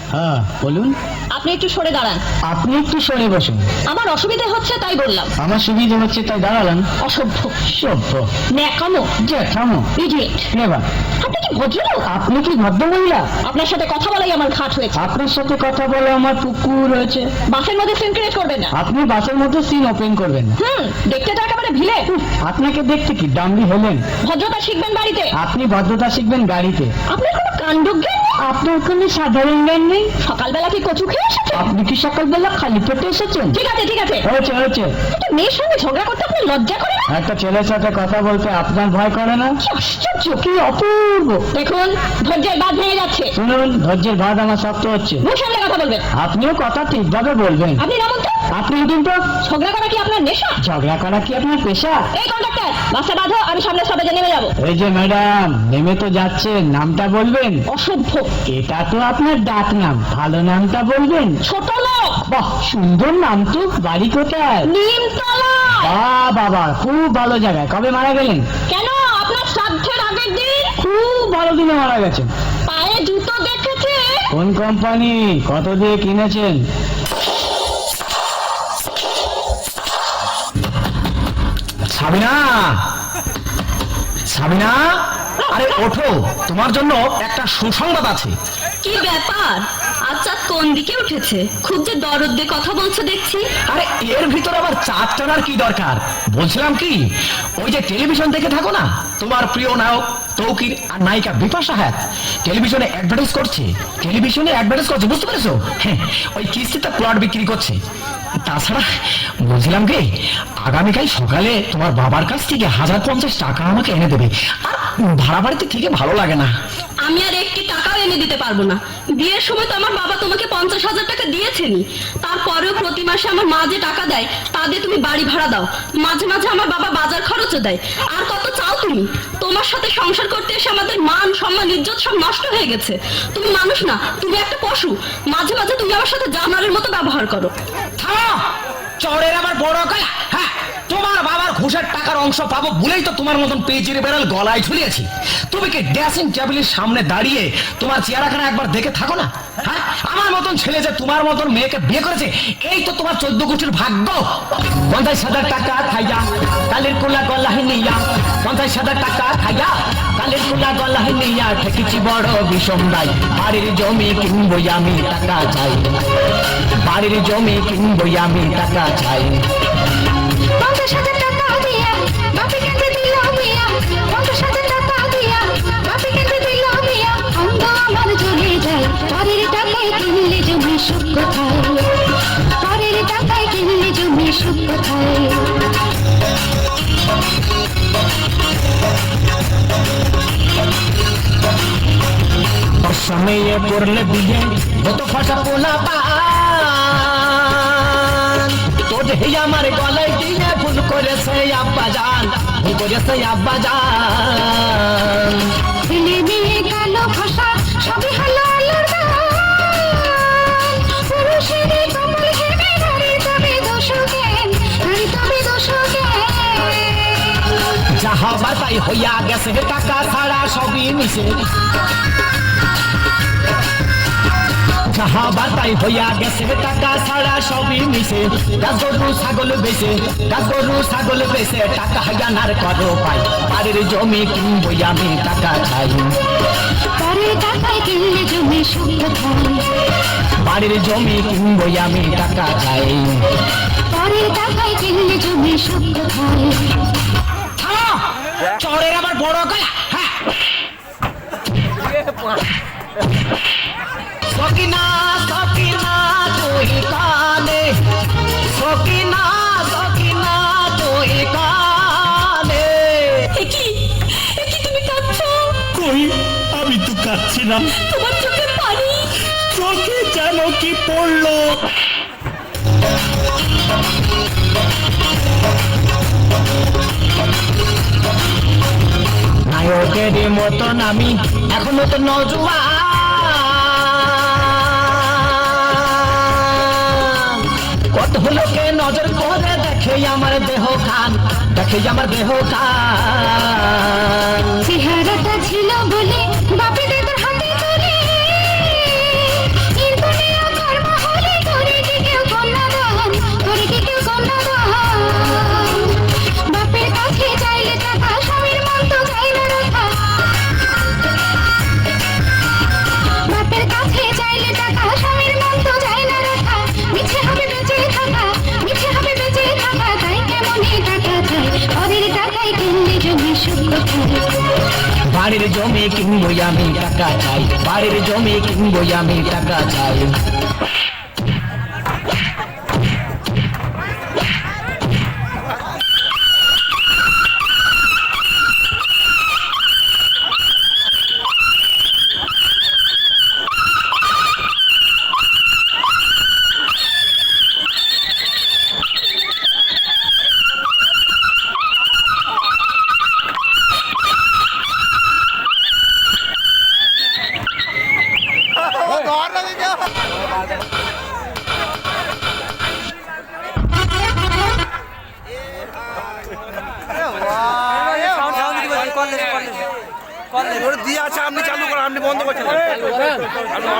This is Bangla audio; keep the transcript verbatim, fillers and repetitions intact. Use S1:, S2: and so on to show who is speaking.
S1: হ্যাঁ বলুন।
S2: আপনি একটু সরে দাঁড়ান।
S1: আপনি একটু সরে বসুন।
S2: আমার অসুবিধা হচ্ছে তাই বললাম।
S1: আমার সুবিধা হচ্ছে তাই দাঁড়ালাম।
S2: অসভ্য,
S1: সভ্য,
S2: ন্যাকামো,
S1: জ্যাঠামো,
S2: ইডিয়েট।
S1: নেবার।
S2: আপনি কি ভদ্রলোক?
S1: আপনি কি ভদ্র মহিলা?
S2: আপনার সাথে কথা বলাই আমার ঘাট হয়েছে।
S1: আপনার সাথে কথা বলে আমার পুকুর হয়েছে।
S2: বাসের মধ্যে সিন ক্রিয়েট করবেন না।
S1: আপনি বাসের মধ্যে সিন ওপেন করবেন না।
S2: হুম, দেখতে তো একেবারে ভিলে।
S1: আপনাকে দেখতে কি ডাম্বি হলেন?
S2: ভদ্রতা শিখবেন বাড়িতে।
S1: আপনি ভদ্রতা শিখবেন গাড়িতে।
S2: আপনার কোনো কাণ্ডজ্ঞান নেই।
S1: আপনার কোনো সাধারণ জ্ঞান নেই।
S2: সকালবেলা কি কচু খেয়ে এসেছেন?
S1: আপনি কি সকালবেলা খালি পেটে এসেছেন?
S2: ঠিক আছে ঠিক আছে,
S1: হয়েছে হয়েছে।
S2: একটা মেয়ের সঙ্গে ঝগড়া করতে আপনার লজ্জা করে না?
S1: একটা ছেলের সাথে কথা বলতে আপনার ভয় করে না?
S2: কি আশ্চর্য,
S1: কি অপূর্ব।
S2: দেখুন ধৈর্যের বাঁধ ভেঙে যাচ্ছে।
S1: শুনুন, ধৈর্যের বাঁধ আমার শক্ত হচ্ছে।
S2: মুখ সামলে কথা বলবেন।
S1: আপনিও কথা ঠিকভাবে বলবেন।
S2: আপনি নামুন তো।
S1: আপনি উঠুন তো।
S2: ঝগড়া করা কি আপনার নেশা?
S1: ঝগড়া করা কি আপনার পেশা?
S2: এই কন্ডাক্টর, বাসে বাঁধো, আমি সামনে স্টপেজে নেমে যাবো।
S1: এই যে ম্যাডাম, নেমে তো যাচ্ছেন, নামটা বলবেন।
S2: অসভ্য,
S1: এটা তো আপনার ডাক নাম, ভালো নামটা বলবেন।
S2: ছোট লোক।
S1: বাহ, সুন্দর নাম তো। বাড়ি কোথায়?
S2: নিমতলা।
S1: বাহ বাবা, খুব ভালো জায়গায়। কবে মারা গেলেন?
S2: কেন, আপনার শ্রাদ্ধের আগের দিন।
S1: খুব ভালো দিনে মারা গেছেন।
S2: পায়ে জুতো দেখেছে?
S1: কোন কোম্পানি, কত দিয়ে কিনেছেন?
S3: সাবিনা, সাবিনা, আরে ওঠো, তোমার জন্য একটা সুসংবাদ আছে।
S2: কি ব্যাপার? আচ্ছা, কোন দিকে উঠেছে? খুব যে দরদ দিয়ে কথা বলছো দেখছি।
S3: আরে এর ভিতর আবার চাপ টানার কি দরকার? বলছিলাম কি, ওই যে টেলিভিশন দেখে থাকো না, তোমার প্রিয় নায়ক তৌকির আর নায়িকা বিপাশা হায়াত টেলিভিশনে অ্যাডভার্টাইজ করছে। টেলিভিশনে অ্যাডভার্টাইজ করছে, বুঝতে পেরেছো? হ্যাঁ, ওই কিস্তিতে প্লট বিক্রি করছে। তাছাড়া বলছিলাম কি, আগামীকাল সকালে তোমার বাবার কাছ থেকে হাজার পঞ্চাশ টাকা আমাকে এনে দেবে। আর ভাড়া বাড়িতে থেকে ভালো লাগে না।
S2: আমি আর একটি টাকাও এনে দিতে পারবো না। বিয়ের সময় তো আমার বাবা তোমাকে পঞ্চাশ হাজার টাকা দিয়েছেনি। তারপরেও প্রতি মাসে আমার মা যে টাকা দেয় তা দিয়ে তুমি বাড়ি ভাড়া দাও। মাঝে মাঝে আমার বাবা বাজার খরচও দেয়। আর কত চাও তুমি? তোমার সাথে সংসার করতে এসে আমাদের মান সম্মান ইজ্জত সব নষ্ট হয়ে গেছে। তুমি মানুষ না, তুমি একটা পশু। মাঝে মাঝে তুমি আমার সাথে জানোয়ারের মতো ব্যবহার করো।
S3: থামো, চোরের আবার বড় গলা। হ্যাঁ, তোমার বাবার ঘুষের টাকার অংশ পাবো বলেই তো তোমার মতন পেজির বেড়াল গলায় ঝুলিয়েছি। তুমি কি ড্রেসিং টেবিলের সামনে দাঁড়িয়ে তোমার চেহারাখানা একবার দেখে থাকো না? হ্যাঁ, আমার মতন ছেলে যে তোমার মতন মেয়েকে বিয়ে করেছে, এই তো তোমার চোদ্দ গোষ্ঠীর ভাগ্য। পঞ্চাশ হাজার টাকা খাইয়া কালের কোলা গলায় নিয়া, পঞ্চাশ হাজার টাকা খাইয়া কালের কোলা গলায় নিয়া ঠেকেছি বড় বিষম দায়। বাড়ির জমি কিনবো আমি, টাকা চাই। বাড়ির জমি কিনবো আমি, টাকা চাই।
S4: পঞ্চাশ হাজার টাকা দিয়া বাপি কেটে দিল মিয়া, পঞ্চাশ হাজার টাকা দিয়া বাপি কেটে দিল মিয়া। অন্ধ আমার চলে যায়, পরের টাকায় কিনলে জমি সুখ কোথায়? পরের টাকায় কিনলে জমি সুখ কোথায়?
S3: সময়ে করলে বিয়ে কত ফাটা পোলা পান, তো দেহি আমার গলায় দিয়ে ভুল করেছে আব্বা জান, ভুল করেছে আব্বা জান।
S4: ছেলে মেয়ে কালো ভাষা সবই হলো আলোর গান। পুরুষেরই কমল ঘেমে নারী তবে দোষ জ্ঞান, নারী তবে দোষ জ্ঞান।
S3: যাহা বাতাই হইয়া গেছে, টাকা ছাড়া সবই মিশে। যাহা বাতাই হইয়া গেছে, টাকা ছাড়া সবই মিশে। গাছ গরু ছাগল বেচে, গাছ গরু ছাগল বেচে টাকা হাজানার করো পাই। বাড়ির জমি কিনবো আমি, টাকা চাই।
S4: পরের টাকায় কিনলে জমি সুখ কোথায়?
S3: বাড়ির জমি কিনবো আমি, টাকা চাই।
S4: পরের টাকায় কিনলে জমি সুখ কোথায়?
S3: থামো, চোরের আবার বড় গলা। হ্যাঁ, সকিনা সকিনা তুই কানে, সকিনা সকিনা তুই কানে।
S2: কি কি তুমি কাঁদছো?
S5: কই, আমি তো কাচ্ছি না।
S2: তোমার চোখে পানি।
S5: চোখে যেন কি পড়লো।
S3: নায়কের মতন আমি এখনো তো নজওয়ান। কত লোকে নজর করে দেখে আমার দেহ খান, দেখে আমার দেহ খান।
S4: চেহারাটা ছিল বলে বাপে দাদার হাতে ধরে, এর
S3: বাড়ির জমি কিনবো আমি টাকা চাই, বাড়ির জমি কিনবো আমি টাকা চাই।
S6: দিয়ে আছে, আপনি চালু করেন, আপনি বন্ধ করছেন।